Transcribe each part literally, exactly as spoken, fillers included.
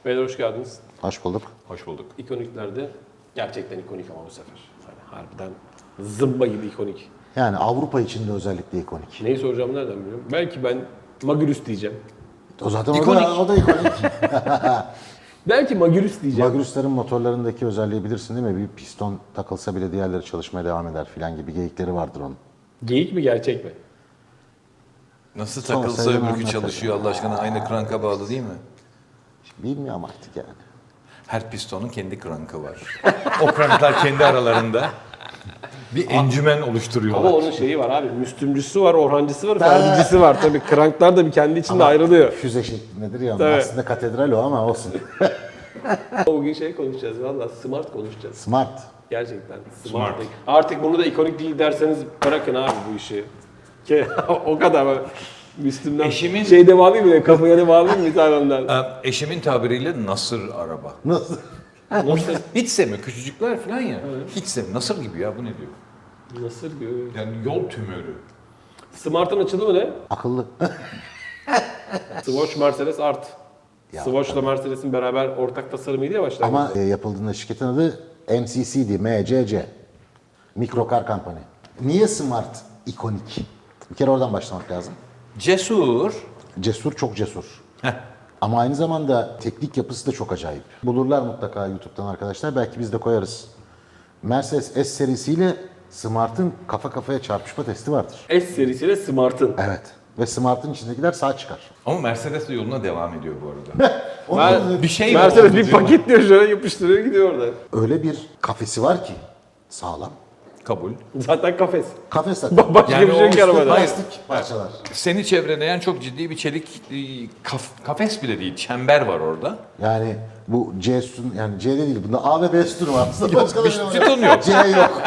Beyler hoş geldiniz. Hoş bulduk. Hoş bulduk. İkoniklerde gerçekten ikonik ama bu sefer. Yani harbiden zımba gibi ikonik. Yani Avrupa için de özellikle ikonik. Neyi soracağımı nereden biliyorum? Belki ben Magirus diyeceğim. O zaten İkonik. O, da, o da ikonik. Belki Magirus diyeceğim. Magirus'ların motorlarındaki özelliği bilirsin değil mi? Bir piston takılsa bile diğerleri çalışmaya devam eder filan gibi geyikleri vardır onun. Geyik mi gerçek mi? Nasıl Sonra takılsa sayın öbürkü anlatır. çalışıyor Allah aşkına, aynı kranka bağlı değil mi? Bilmiyorum artık yani. Her pistonun kendi krankı var. O kranklar kendi aralarında bir encümen oluşturuyorlar. Ama onun şeyi var abi. Müslümcüsü var, Orhancısı var, Ferdicisi var. Tabii kranklar da bir kendi içinde ayrılıyor. Füze şeklindedir ya. Tabii. Aslında katedral o ama olsun. Bugün şey konuşacağız valla. Smart konuşacağız. Smart. Gerçekten. Smart. Artık bunu da ikonik değil derseniz bırakın abi bu işi. Ki o kadar böyle. Müslüm'den Eşimin- şeyde bağlayayım mı? Kafaya da bağlayayım mı bir tane ondan? Ee, Eşimin tabiriyle nasır araba. Nasıl? Hiç sevmiyor. Küçücükler falan ya. Hiç sevmiyor. Nasır gibi ya, bu ne diyor? Nasıl diyor? Yani yol tümörü. Smart'ın açılımı ne? Akıllı. Swatch Mercedes Art. Ya, Swatch'la Mercedes'in beraber ortak tasarımıydı ya başlangıçta. Ama e, yapıldığında şirketin adı M C C'di. M C C. Micro Car Company. Niye Smart ikonik? Bir kere oradan başlamak lazım. Cesur. Cesur, çok cesur. Heh. Ama aynı zamanda teknik yapısı da çok acayip. Bulurlar mutlaka YouTube'dan arkadaşlar. Belki biz de koyarız. Mercedes S serisiyle Smart'ın kafa kafaya çarpışma testi vardır. S serisiyle Smart'ın. Evet. Ve Smart'ın içindekiler sağ çıkar. Ama Mercedes de yoluna devam ediyor bu arada. Ben, Bir şey Mercedes oldu bir diyor. paketliyor şöyle yapıştırıyor gidiyor orada. Öyle bir kafesi var ki sağlam. Kabul. Zaten kafes. Kafes zaten. Başka Yani bir şey yok o ki arabada. Plastik parçalar. Seni çevreleyen çok ciddi bir çelik e, kaf- kafes bile değil, çember var orada. Yani bu C sütun, yani C'de değil. Bunda A ve B sütunu var. Aslında başka da bir şey var. sütun yok. C yok.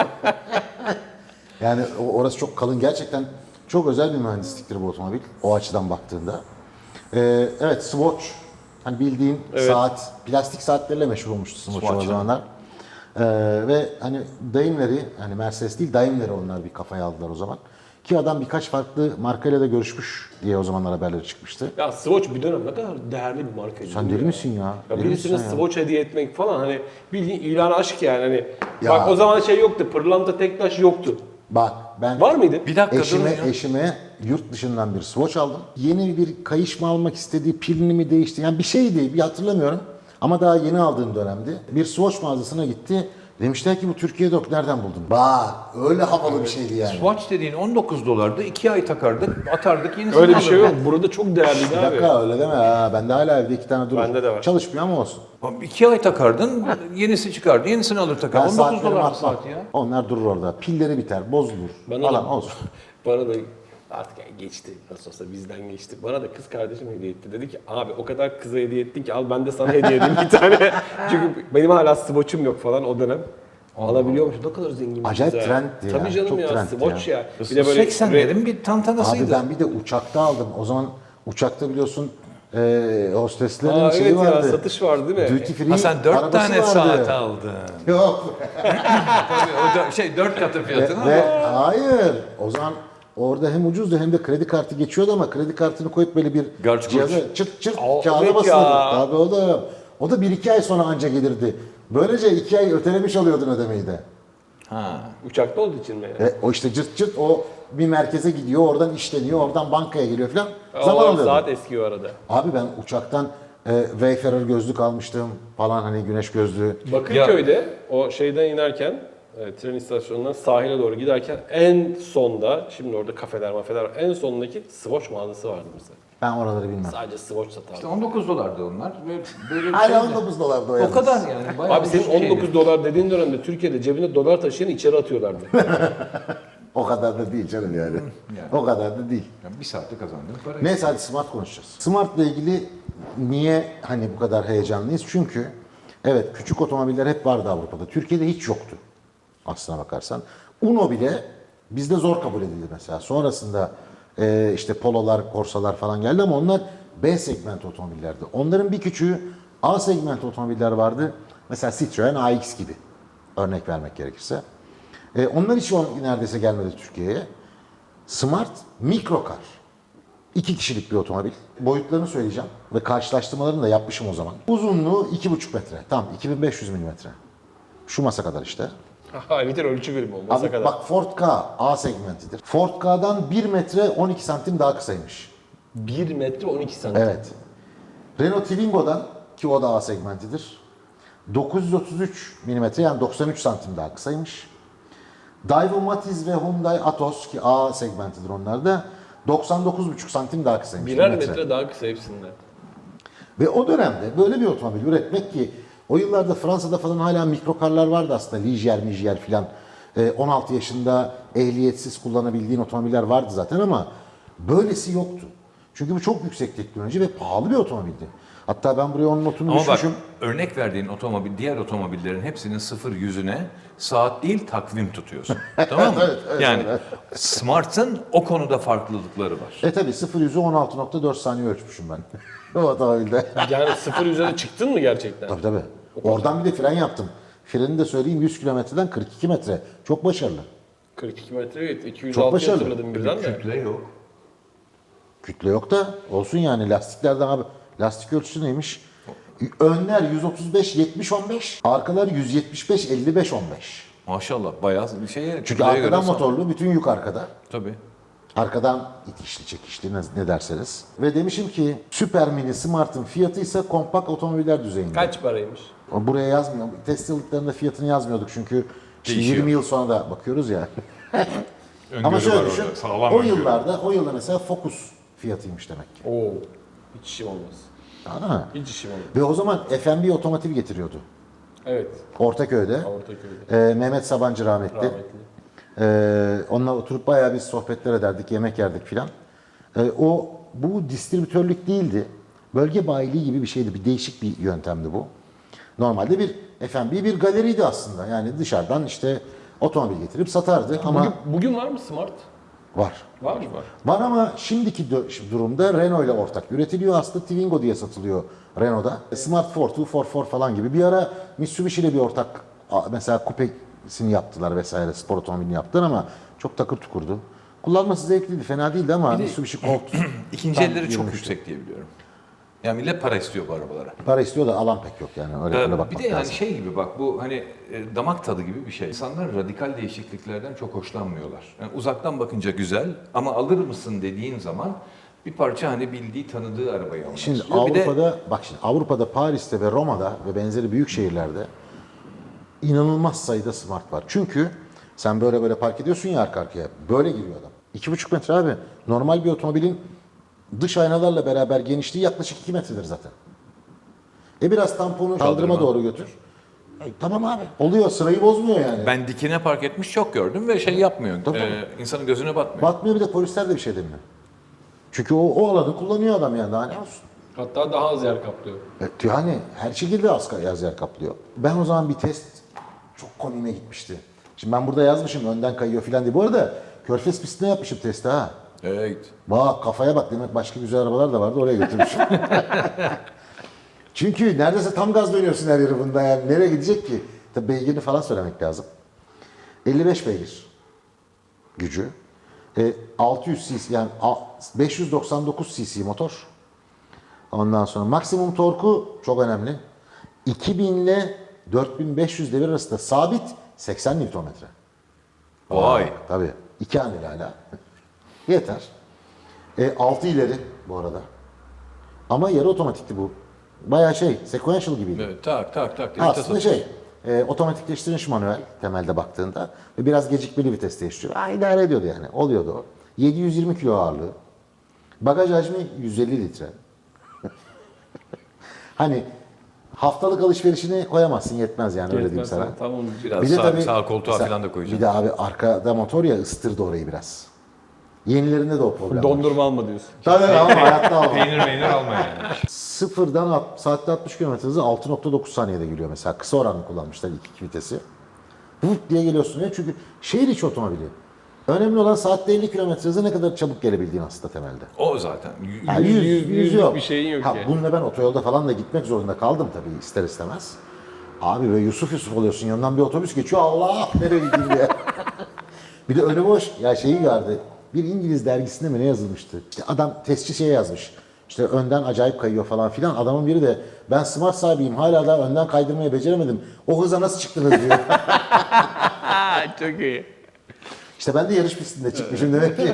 Yani o- orası çok kalın. Gerçekten çok özel bir mühendisliktir bu otomobil. O açıdan baktığında. Ee, evet, Swatch. Hani bildiğin saat, plastik saatlerle meşhur olmuştu Swatch, Swatch, o zamanlar. Ee, ve hani Daimler'i, hani Mercedes değil Daimler'i onlar bir kafaya aldılar o zaman. Ki adam birkaç farklı markayla da görüşmüş diye o zamanlar haberleri çıkmıştı. Ya Swatch bir dönem ne kadar değerli bir markaydı. Sen değil mi deli misin ya? Ya Deli birisine misin ya? Swatch hediye etmek falan hani bildiğin ilan aşk yani hani. Ya. Bak o zaman şey yoktu, pırlanta tek taş yoktu. Bak ben Var mıydı? Bir dakika eşime, durun ya. eşime yurt dışından bir Swatch aldım. Yeni bir kayış mı almak istediği, pilini mi değişti? Yani bir şeydi, bir hatırlamıyorum. Ama daha yeni aldığım dönemdi. Bir Swatch mağazasına gitti. Demişler ki bu Türkiye'de yok, nereden buldun? Bak öyle havalı bir şeydi yani. Swatch dediğin on dokuz dolardı, iki ay takardık, atardık, yenisini Öyle bir şey alırdık. yok. Burada çok değerliydi Bir abi. dakika öyle deme ha. Bende hala evde iki tane durur. Bende de var. Çalışmıyor ama olsun. Abi İki ay takardın, yenisi çıkardı, yenisini alır takar. Ben on dokuz saatlerimi dolar atmam. saat ya. Onlar durur orada. Pilleri biter, bozulur Bana falan da- olsun. Bana da artık yani geçti. Nasıl olsa bizden geçti. Bana da kız kardeşim hediye etti. Dedi ki abi o kadar kıza hediye ettin ki al ben de sana hediye edeyim bir tane. Çünkü benim hala Swatch'um yok falan o dönem. Alabiliyormuş. Ne kadar zengin. Acayip kız ya. trendti ya. Tabii canım Çok ya. trendti Swatch ya. ya. Bir de böyle seksenlerin bir tantanasıydı. Abi ben bir de uçakta aldım. O zaman uçakta biliyorsun e, hosteslerin Aa, şeyi evet ya vardı. satış var değil mi? Duty free Ha sen dört arabası tane vardı. saat aldın. Yok. Tabii o dö- şey dört katı Ve, fiyatına. ve hayır. O zaman orada hem ucuzdu hem de kredi kartı geçiyordu ama kredi kartını koyup böyle bir Garç gurç. cihaza çırt çırt Aa, kağıda evet basılırdı. ya. Tabii o da o da bir iki ay sonra anca gelirdi. Böylece iki ay ötelemiş oluyordun ödemeyi de. Ha. Uçakta olduğu için mi? Yani? Ve o işte cırt cırt o bir merkeze gidiyor, oradan işleniyor, oradan bankaya geliyor falan. Zaman Zaman alıyordu. saat eski o arada. Abi ben uçaktan e, Wayfarer gözlük almıştım falan, hani güneş gözlüğü. Bakırköy'de o şeyden inerken e, tren istasyonundan sahile doğru giderken en sonda, şimdi orada kafeler mafeler var, en sondaki Swatch mağazası vardı mesela. Ben oraları bilmem. Sadece Swatch satardı. İşte on dokuz dolardı onlar. Ve böyle bir Hala şeydi. on dokuz dolardı o O yalnız. kadar yani. Bayağı Abi senin ucuz şeydi. on dokuz dolar dediğin dönemde Türkiye'de cebine dolar taşıyan içeri atıyorlardı. O kadar da değil canım yani. O kadar da değil. Yani bir saatte kazandığın para. Neyse hadi Smart konuşacağız. Smart'la ilgili niye hani bu kadar heyecanlıyız? Çünkü evet, küçük otomobiller hep vardı Avrupa'da. Türkiye'de hiç yoktu aslına bakarsan. Uno bile bizde zor kabul edildi mesela. Sonrasında e, işte Polo'lar, Corsa'lar falan geldi ama onlar B segment otomobillerdi. Onların bir küçüğü A segment otomobiller vardı. Mesela Citroen A X gibi, örnek vermek gerekirse. E, onlar hiç o- neredeyse gelmedi Türkiye'ye. Smart mikro kar. İki kişilik bir otomobil. Boyutlarını söyleyeceğim ve karşılaştırmalarını da yapmışım o zaman. Uzunluğu iki buçuk metre. Tam iki bin beş yüz milimetre. Şu masa kadar işte. Ha, bir ölçü birimi olmasa Abi kadar. bak Ford Ka A segmentidir. Ford Ka'dan bir metre on iki santim daha kısaymış. bir metre on iki santim. Evet. Renault Twingo'dan, ki o da A segmentidir, dokuz yüz otuz üç milimetre yani doksan üç santim daha kısaymış. Daewoo Matiz ve Hyundai Atos, ki A segmentidir onlar da, doksan dokuz buçuk santim daha kısaymış. Birer metre. metre daha kısa hepsinden. Ve o dönemde böyle bir otomobil üretmek, ki o yıllarda Fransa'da falan hala mikrokarlar vardı aslında. Ligier, Migier filan. Ee, on altı yaşında ehliyetsiz kullanabildiğin otomobiller vardı zaten ama böylesi yoktu. Çünkü bu çok yüksek teknoloji ve pahalı bir otomobildi. Hatta ben buraya onun notunu Ama bak düşmüşüm. örnek verdiğin otomobil, diğer otomobillerin hepsinin sıfır yüzüne saat değil takvim tutuyorsun. Tamam mı? Evet, evet, yani Smart'ın o konuda farklılıkları var. E tabi sıfır yüzü on altı nokta dört saniye ölçmüşüm ben. o otomobilde. Yani sıfır üzerine çıktın mı gerçekten? Tabii tabii. Oradan bir de fren yaptım. Freni de söyleyeyim, yüz kilometreden kırk iki metre. Çok başarılı. kırk iki metre evet. iki yüz Çok altı başarılı. hatırladım birden de. Kütle yok. Kütle yok da olsun yani, lastiklerden abi. Lastik ölçüsü neymiş? Önler yüz otuz beş yetmiş on beş, arkalar yüz yetmiş beş elli beş on beş. Maşallah bayağı bir şeye Çünkü kütleye göre arkadan son- motorlu, bütün yük arkada. Tabii. Arkadan itişli çekişli ne, ne derseniz. Ve demişim ki Super Mini Smart'ın fiyatı ise kompakt otomobiller düzeyinde. Kaç paraymış? Buraya yazmıyor. Test yıllıklarında fiyatını yazmıyorduk çünkü şimdi Değişiyor. yirmi yıl sonra da bakıyoruz ya. Öngörü Ama var şöyle orada, düşün. sağlam O öngörü. yıllarda, o yılda mesela Focus fiyatıymış demek ki. Oo. Hiç işim olmaz. Anladın mı? Hiç işim olmaz. Ve o zaman F M B otomotiv getiriyordu. Evet. Ortaköy'de. Ortaköy'de. Ee, Mehmet Sabancı rahmetli. Rahmetli. Ee, onunla oturup bayağı biz sohbetler ederdik, yemek yerdik filan. Ee, o bu distribütörlük değildi. Bölge bayiliği gibi bir şeydi. Bir değişik bir yöntemdi bu. Normalde bir F M B bir galeriydi aslında. Yani dışarıdan işte otomobil getirip satardı ama Bugün, bugün var mı Smart? var. Var mı? Var. Var ama şimdiki dö- durumda Renault ile ortak üretiliyor. Aslında Twingo diye satılıyor Renault'da. Smart dört, iki kırk dört falan gibi. Bir ara Mitsubishi ile bir ortak, a- mesela kupesini yaptılar vesaire, spor otomobilini yaptılar ama çok takır tukurdu. Kullanması zevkliydi, fena değildi ama de- Mitsubishi Colt İkinci tam elleri çok yürümüştü. yüksek diye biliyorum. Yani millet para istiyor bu arabalara. Para istiyor da alan pek yok yani, öyle, öyle Ee, bakmak bir de yani lazım. şey gibi bak, bu hani e, damak tadı gibi bir şey. İnsanlar radikal değişikliklerden çok hoşlanmıyorlar. Yani uzaktan bakınca güzel ama alır mısın dediğin zaman bir parça hani bildiği tanıdığı arabayı almak Şimdi istiyor. Bir de Avrupa'da, bak şimdi Avrupa'da, Paris'te ve Roma'da ve benzeri büyük şehirlerde inanılmaz sayıda Smart var. Çünkü sen böyle böyle park ediyorsun ya arka arkaya, böyle giriyor adam. İki buçuk metre abi. Normal bir otomobilin dış aynalarla beraber genişliği yaklaşık iki metredir zaten. E biraz tamponu kaldırıma doğru götür. E, tamam abi. Oluyor, sırayı bozmuyor yani. ben dikine park etmiş çok gördüm ve şey yapmıyor. Tabii. e, insanın gözüne batmıyor. Batmıyor, bir de polisler de bir şey demiyor. Çünkü o, o alanı kullanıyor adam yani, daha ne olsun. Hatta daha az yer kaplıyor. Evet, yani her şekilde az yaz yer kaplıyor. Ben o zaman bir test çok komiğime gitmişti. Şimdi ben burada yazmışım önden kayıyor filan diye. Bu arada Körfez pistine yapmışım testi ha. Evet. Bak kafaya bak, demek başka güzel arabalar da vardı, oraya götürmüşüm. Çünkü neredeyse tam gaz dönüyorsun her yeri bunda yani. Nereye gidecek ki? Tabii beygirini falan söylemek lazım. elli beş beygir gücü. E, altı yüz cc yani a- beş yüz doksan dokuz cc motor. Ondan sonra maksimum torku çok önemli. iki bin ile dört bin beş yüz devir arasında sabit seksen Nm. Vay. Tabii. iki haneli hala. Yeter. E, altı ileri bu arada. Ama yarı otomatikti bu. Bayağı şey, sequential gibiydi. Evet, tak tak tak. diye Aslında vites şey, e, otomatikleştirilmiş manuel temelde baktığında ve biraz gecikmeli vites değiştiriyor. Ha, idare ediyordu yani, oluyordu o. yedi yüz yirmi kilo ağırlığı. Bagaj hacmi yüz elli litre. Hani haftalık alışverişini koyamazsın, yetmez yani, öyle diyeyim sana. Tamam. Biraz Bir de sağ, tabii- sağ koltuğa mesela falan da koyacağım. Bir de abi arkada motor ya, ıstırdı orayı biraz. Yenilerinde de o problem var. Dondurma alma diyorsun. Tabii ama hayatta alma. Peynir meynir alma yani. Sıfırdan alt- saatte altmış kilometre hızı altı nokta dokuz saniyede geliyor mesela. Kısa oranlı kullanmışlar ilk iki vitesi. Vut diye geliyorsun ya, çünkü şehir içi otomobili. Önemli olan saatte elli kilometre hızı ne kadar çabuk gelebildiğin aslında temelde. O zaten. Y- Yani Yüz- yüz, yüz- yüz yüz yok. bir şeyin yok ha, yani. Bununla ben otoyolda falan da gitmek zorunda kaldım tabii, ister istemez. Abi böyle Yusuf Yusuf oluyorsun, yanından bir otobüs geçiyor, Allah nereye gideyim diye. Bir de önü boş. Ya şeyi vardı, bir İngiliz dergisinde mi ne yazılmıştı? İşte adam testçi şeye yazmış. İşte önden acayip kayıyor falan filan. Adamın biri de ben smart sahibiyim hala da önden kaydırmayı beceremedim. O hıza nasıl çıktınız diyor. Çok iyi. İşte ben de yarış pistinde çıkmışım demek ki.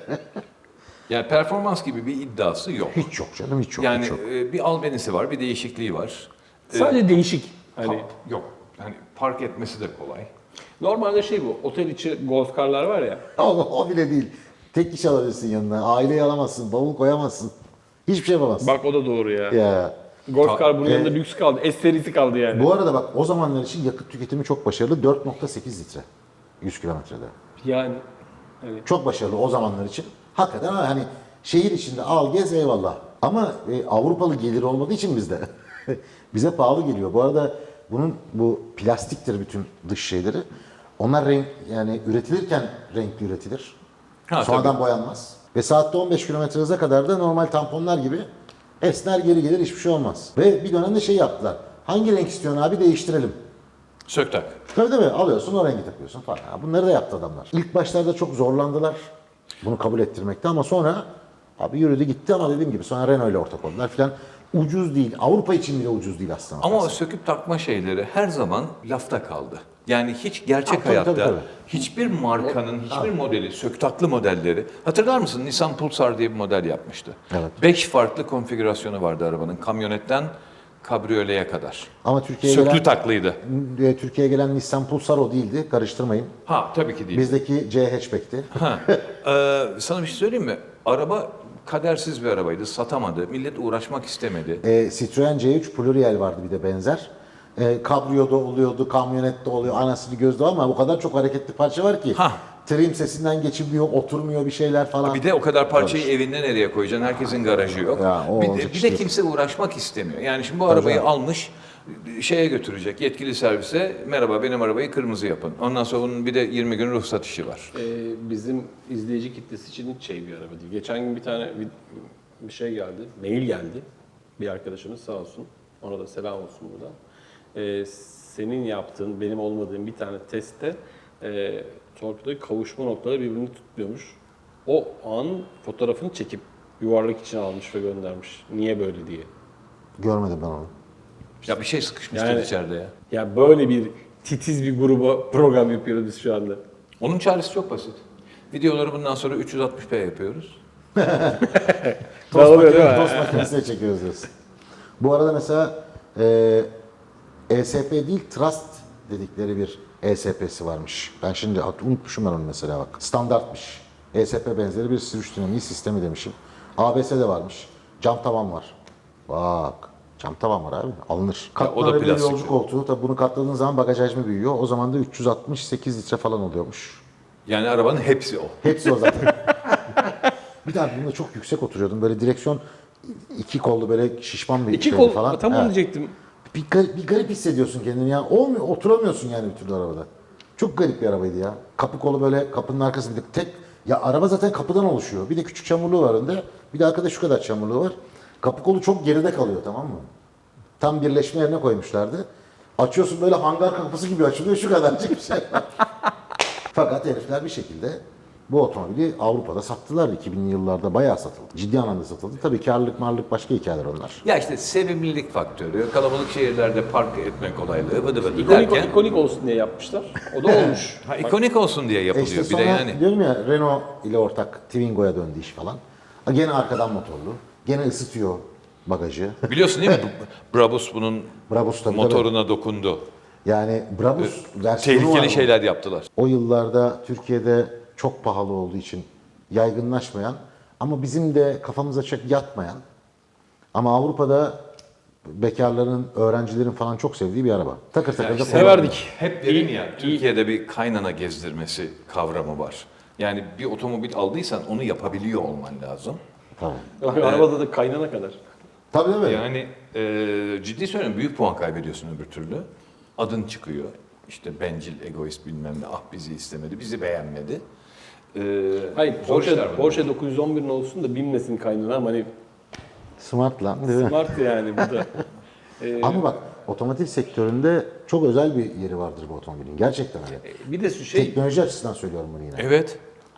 Yani performans gibi bir iddiası yok. Hiç yok canım hiç yok. Yani hiç yok. e, bir albenisi var, bir değişikliği var. E, Sadece değişik. Hani ha- yok. Hani park etmesi de kolay. normalde şey bu. Otel içi golf karlar var ya. O, o bile değil. Tek kişi alabilirsin yanına. Aileyi alamazsın. Bavul koyamazsın. Hiçbir şey yapamazsın. Bak o da doğru ya. Ya. Golf kar bunun e- yanında lüks kaldı. S serisi kaldı yani. Bu arada bak o zamanlar için yakıt tüketimi çok başarılı. dört nokta sekiz litre. yüz kilometrede. Yani. Hani Çok başarılı o zamanlar için. Hakikaten ama hani şehir içinde al gez eyvallah. Ama e, Avrupalı gelir olmadığı için bizde. Bize pahalı geliyor. Bu arada bunun bu plastiktir bütün dış şeyleri. Onlar renk yani üretilirken renkli üretilir. Ha, Sonradan tabii. boyanmaz. Ve saatte on beş kilometre hıza kadar da normal tamponlar gibi esner geri gelir hiçbir şey olmaz. Ve bir dönemde şey yaptılar. Hangi renk istiyorsun abi değiştirelim. Sök tak. Tabii değil mi? Alıyorsun o rengi takıyorsun falan. Ya bunları da yaptı adamlar. İlk başlarda çok zorlandılar bunu kabul ettirmekte ama sonra abi yürüdü gitti ama dediğim gibi sonra Renault ile ortak oldular filan. Ucuz değil. Avrupa için bile ucuz değil aslında. Ama o söküp takma şeyleri her zaman lafta kaldı. Yani hiç gerçek Ha, tabii, hayatta tabii, tabii. hiçbir markanın hiçbir modeli, söktaklı modelleri. Hatırlar mısın? Nissan Pulsar diye bir model yapmıştı. Evet. Beş farklı konfigürasyonu vardı arabanın. Kamyonetten kabriyoleye kadar. Ama Türkiye'ye Söklü gelen, taklıydı. e, Türkiye'ye gelen Nissan Pulsar o değildi. Karıştırmayın. Ha tabii ki değil. Bizdeki C hatchback'ti. Ha, e, sana bir şey söyleyeyim mi? Araba kadersiz bir arabaydı. Satamadı. Millet uğraşmak istemedi. E, Citroen C üç Pluriel vardı bir de benzer. E, kabriyoda oluyordu, kamyonette oluyor, anasını gözde ama o kadar çok hareketli parça var ki. Hah. Trim sesinden geçmiyor, oturmuyor bir şeyler falan. Bir de o kadar parçayı evinde nereye koyacaksın? Herkesin garajı yok. Ya, o bir, de, olacak bir iş de değil. kimse uğraşmak istemiyor. Yani şimdi bu arabayı canım. almış şeye götürecek yetkili servise, merhaba benim arabayı kırmızı yapın. Ondan sonra bunun bir de yirmi gün ruhsat işi var. Ee, bizim izleyici kitlesi için hiç şey bir araba değil. Geçen gün bir tane bir, bir şey geldi, mail geldi. Bir arkadaşımız sağ olsun, ona da selam olsun buradan. Ee, senin yaptığın, benim olmadığım bir tane testte e, torpidoyu kavuşma noktaları birbirini tutmuyormuş. O an fotoğrafını çekip yuvarlak içine almış ve göndermiş. Niye böyle diye. Görmedim ben onu. Ya bir şey sıkışmıştır Yani- içeride ya. Ya böyle bir titiz bir gruba program yapıyoruz biz şu anda. Onun çaresi çok basit. Videoları bundan sonra üç yüz altmış p yapıyoruz. Tost, Dağılıyor değil makine, mi? tost makinesine çekiyoruz diyorsun. Bu arada mesela e, E S P değil Trust dedikleri bir E S P'si varmış. Ben şimdi hat- unutmuşum ben onu mesela bak. Standartmış. E S P benzeri bir sürüş dinamiği sistemi demişim. A B S de varmış. Cam tavan var. Bak. Cam tavan var abi. Alınır. o da Katlanabilir plastik. yolcu koltuğu. Tabii bunu katladığın zaman bagaj hacmi büyüyor. O zaman da üç yüz altmış sekiz litre falan oluyormuş. Yani arabanın hepsi o. Hepsi o zaten. Bir tane bunda çok yüksek oturuyordum. Böyle direksiyon iki kollu böyle şişman bir İki şeydi kol, falan. tam onu Evet. diyecektim. Bir, garip, bir garip hissediyorsun kendini ya. Olmuyor, oturamıyorsun yani bir türlü arabada. Çok garip bir arabaydı ya. Kapı kolu böyle kapının arkasında tek... Ya araba zaten kapıdan oluşuyor. Bir de küçük çamurluğu var önde. Bir de arkada şu kadar çamurluğu var. Kapı kolu çok geride kalıyor tamam mı? Tam birleşme yerine koymuşlardı. Açıyorsun böyle hangar kapısı gibi açılıyor şu kadarcık bir şey. Fakat herifler bir şekilde bu otomobili Avrupa'da sattılar. iki binli yıllarda bayağı satıldı. Ciddi anlamda satıldı. Tabii karlılık marlık başka hikayeler onlar. Ya işte sevimlilik faktörü, kalabalık şehirlerde park etme kolaylığı, vıdı vıdı İkonik, derken... ikonik olsun diye yapmışlar. O da olmuş. Ha, ikonik olsun diye E yapılıyor. işte bir sonra de yani diyorum ya Renault ile ortak Twingo'ya döndü iş falan. Ha, gene arkadan motorlu. Gene ısıtıyor bagajı. biliyorsun değil mi? Brabus bunun Brabus tabii motoruna dokundu. Yani Brabus versiyonu var Tehlikeli bunun. şeyler yaptılar. O yıllarda Türkiye'de çok pahalı olduğu için yaygınlaşmayan ama bizim de kafamıza çok yatmayan ama Avrupa'da bekarların, öğrencilerin falan çok sevdiği bir araba. Takır takır da işte kullanılıyor. Severdik. Hep dedim ya, Türkiye'de bir kaynana gezdirmesi kavramı var. Yani bir otomobil aldıysan onu yapabiliyor olman lazım. Tabii. Arabada da kaynana kadar. Tabii değil mi? Yani e, ciddi söylüyorum büyük puan kaybediyorsun öbür türlü. Adın çıkıyor. İşte bencil, egoist bilmem ne, ah bizi istemedi, bizi beğenmedi. E, Hayır, zor işler Porsche, bunlar. Porsche dokuz yüz on birin olsun da binmesin kaynana ama hani Smart lan değil mi? smart yani bu da. Ee, Ama bak otomotiv sektöründe çok özel bir yeri vardır bu otomobilin. Gerçekten öyle. bir de şu şey, Teknoloji açısından söylüyorum bunu yine. Evet.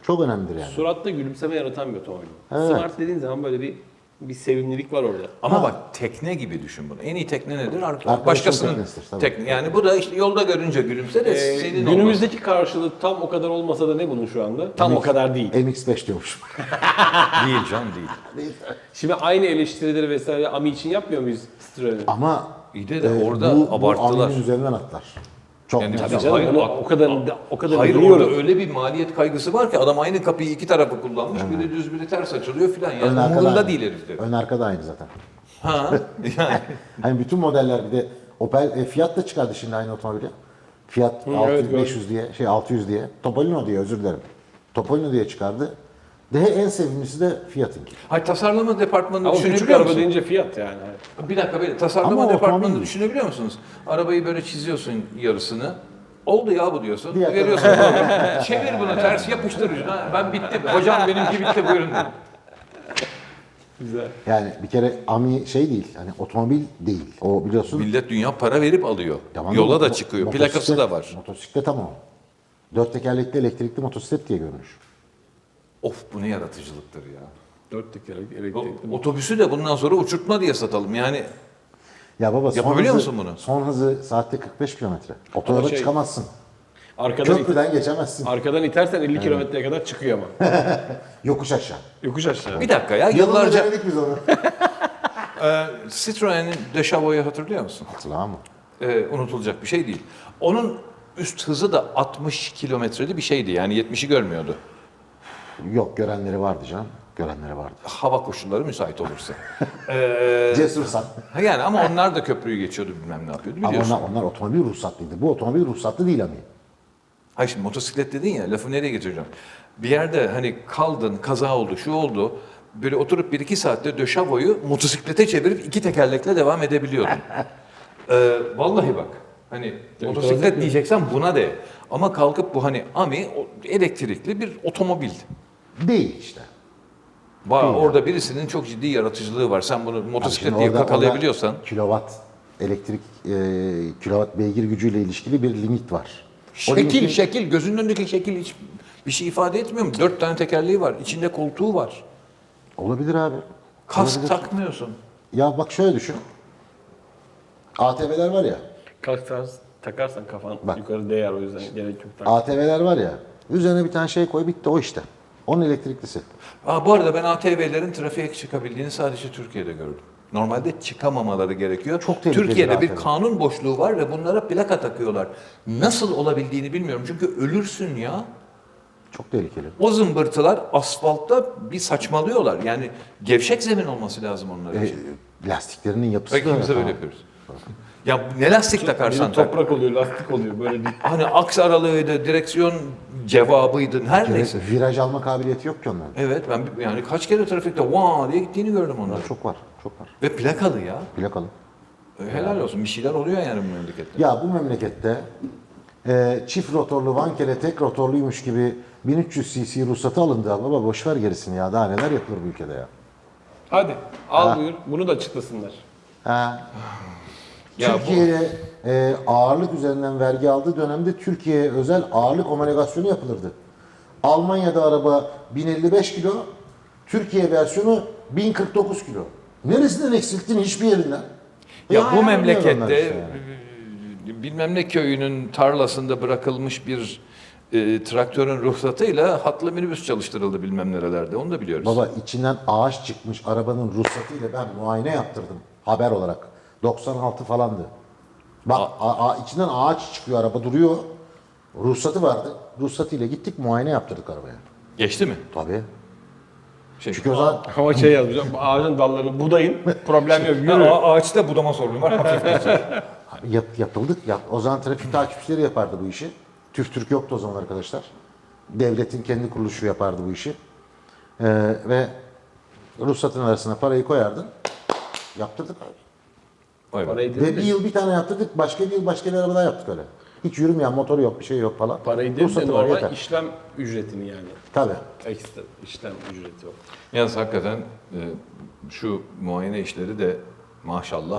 Çok önemlidir yani. Suratta gülümseme yaratan bir otomobil. Evet. Smart dediğin zaman böyle bir bir sevimlilik var orada. Ama Ha. bak tekne gibi düşün bunu. En iyi tekne nedir? Arka, Arkadaşın başkasının teknesidir, tabii. tekne. Yani bu da işte yolda görünce gülümse de Ee, senin günümüzdeki karşılığı tam o kadar olmasa da ne bunun şu anda? Tam o kadar değil. M X beş diyormuş. olmaz. Değil can değil. Şimdi aynı eleştirileri vesaire Ami için yapmıyor muyuz Citroen'e? Ama İyi de de orada bu, abarttılar. Bu Amin'in üzerinden atlar. Çok Yani net. Tabii Ya canım, hayır, onu a- o kadar o kadar Hayır biliyorum. orada öyle bir maliyet kaygısı var ki adam aynı kapıyı iki tarafı kullanmış. Biri düz biri ters açılıyor filan. Ön Yani arka da umurunda aynı. değil herifte. Ön arka da aynı zaten. Ha yani. Hani bütün modeller bir de Opel, e, Fiat da çıkardı şimdi aynı otomobili. Fiat evet, altı yüz, gördüm. beş yüz diye, şey altı yüz diye. Topolino diye özür dilerim. Topolino diye çıkardı. De en sevimlisi de Fiat'ınki. Hayır tasarlama departmanını Ama küçük düşünebiliyor araba musun? deyince fiyat yani. Bir dakika bir tasarlama Ama departmanını otomobil. düşünebiliyor musunuz? Arabayı böyle çiziyorsun yarısını. Oldu ya bu diyorsun. Diğer Veriyorsun bunu. Çevir bunu ters yapıştır ucuna. Ben bitti. Hocam benimki bitti buyurun. Güzel. Yani bir kere Ami şey değil, hani otomobil değil. O biliyorsun. Millet dünya para verip alıyor. Tamam, Yola da mo- çıkıyor. motosiklet- Plakası da var. Motosiklet ama o. Dört tekerlekli elektrikli motosiklet diye görünür. Of bu ne yaratıcılıktır ya. Dört tekerlek O- elektrikli. Otobüsü de bundan sonra uçurtma diye satalım. Yani Ya baba son Yapabiliyor hızı, musun bunu? Son hızı saatte kırk beş kilometre. Otoyola şey- çıkamazsın. Arkadan, it- Köprüden geçemezsin. arkadan itersen elli kilometreye kadar çıkıyor ama. Yokuş aşağı. Yokuş aşağı. bir dakika ya Yıllarca yıllarca denedik biz onu. e, Citroen'in Deschavo'yu hatırlıyor musun? Hatırlamam mı? E, unutulacak bir şey değil. Onun üst hızı da altmış kilometreli bir şeydi. Yani yetmişi görmüyordu. Yok görenleri vardı canım. Görenleri vardı. Hava koşulları müsait olursa. e, Cesursan. ha yani ama onlar da köprüyü geçiyordu bilmem ne yapıyordu Ama biliyorsun. onlar, onlar otomobil ruhsatlıydı. Bu otomobil ruhsatlı değil Ami. Hayır şimdi motosiklet dedin ya lafı nereye getireceğim? Bir yerde hani kaldın kaza oldu şu oldu. Böyle oturup bir iki saatte döşavoyu motosiklete çevirip iki tekerlekle devam edebiliyordun. Ee, vallahi bak hani motosiklet diyeceksen buna de. Ama kalkıp bu hani Ami o- elektrikli bir otomobil. Değil işte. Var, Değil orada birisinin çok ciddi yaratıcılığı var. Sen bunu motosiklet Şimdi diye orada- kakalayabiliyorsan. orada Kilowatt, elektrik, e, kilowatt beygir gücüyle ilişkili bir limit var. O Şekil limitin- şekil gözünün önündeki şekil hiç bir şey ifade etmiyor mu? Dört tane tekerleği var. İçinde koltuğu var. Olabilir abi. Kask Olabilir. takmıyorsun. Ya bak şöyle düşün. A T V'ler var ya. Kalk tarz takarsan kafan Bak. yukarı değer o yüzden gerek yok. tak. A T V'ler var ya. Üzerine bir tane şey koy bitti o işte. Onun elektriklisi. Aa, bu arada ben A T V'lerin trafiğe çıkabildiğini sadece Türkiye'de gördüm. Normalde çıkamamaları gerekiyor. Çok tehlikeli Türkiye'de bir A T V. kanun boşluğu var ve bunlara plaka takıyorlar. Nasıl olabildiğini bilmiyorum. Çünkü ölürsün ya. Çok tehlikeli. O zımbırtılar asfaltta bir saçmalıyorlar. Yani gevşek zemin olması lazım onlar E, için. lastiklerinin yapısı Ve da ikimiz de öyle böyle falan. yapıyoruz. Ya ne lastik Biri takarsan tak. toprak oluyor, lastik oluyor böyle bir. Hani aks aralığıydı, direksiyon cevabıydı, her neyse. Viraj alma kabiliyeti yok ki onların. Evet ben yani kaç kere trafikte vaa diye gittiğini gördüm onları. Çok var, çok var. Ve plakalı ya. Plakalı. E, Helal olsun bir şeyler oluyor yani bu memlekette. Ya bu memlekette e, çift rotorlu Vankele tek rotorluymuş gibi bin üç yüz cc ruhsatı alındı ama baba boş ver gerisini ya. Daha neler yapılır bu ülkede ya. Hadi al buyur. Bunu da açıklasınlar. Ha. Ya bu- Türkiye'ye e, ağırlık üzerinden vergi aldığı dönemde Türkiye'ye özel ağırlık homologasyonu yapılırdı. Almanya'da araba bin elli beş kilo, Türkiye versiyonu bin kırk dokuz kilo. Neresinden eksilttin hiçbir yerinden? Ya Ya bu yani memlekette onlar işte e, bilmem ne köyünün tarlasında bırakılmış bir e, traktörün ruhsatıyla hatlı minibüs çalıştırıldı bilmem nerelerde. Onu da biliyoruz. Baba içinden ağaç çıkmış arabanın ruhsatıyla ben muayene yaptırdım haber olarak. doksan altı falandı. Bak a- a- içinden ağaç çıkıyor araba duruyor. Ruhsatı vardı. Ruhsatıyla gittik muayene yaptırdık arabaya. Geçti mi? Tabii. Şey, Çünkü o zaman Ama şey yazmış, ağacın dallarını budayın, problem yok, yürü. A- ağaçta budama sorunu var. Hafif yap, yapıldık. Yap, o zaman trafik takipçileri yapardı bu işi. TÜV TÜRK yoktu o zaman arkadaşlar. Devletin kendi kuruluşu yapardı bu işi. Ee, ve ruhsatın arasına parayı koyardın. Yaptırdık abi. Vay be. Parayı Ve değil bir de, yıl bir tane yaptırdık. Başka bir yıl başka bir arabada yaptık öyle. Hiç yürümeyen motoru yok, bir şey yok falan. parayı değil de Ruhsatı var normal yeter. işlem ücretini yani. Tabii. Ekstra işlem ücreti o. Yalnız hakikaten e, şu muayene işleri de maşallah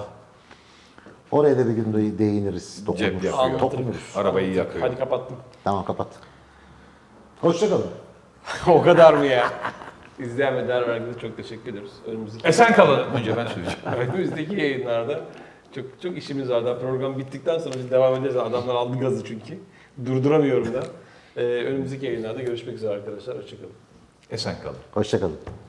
Oraya da bir gün de- değiniriz. cep Dokunuruz. yapıyor. Anlatırım. Dokunuruz. Arabayı yakıyor. Hadi kapattım. Tamam kapat. Hoşçakalın. O kadar mı ya? İzleyen ve değer verdiğiniz çok teşekkür ederiz. Önümüzdeki, Esen kalın. Önce ben söyleyeceğim. önümüzdeki yayınlarda çok çok işimiz var. Daha program bittikten sonra biz devam ederiz. Adamlar aldı gazı çünkü. Durduramıyorum da. Ee, önümüzdeki yayınlarda görüşmek üzere arkadaşlar. Hoşçakalın. Esen kalın. Hoşçakalın.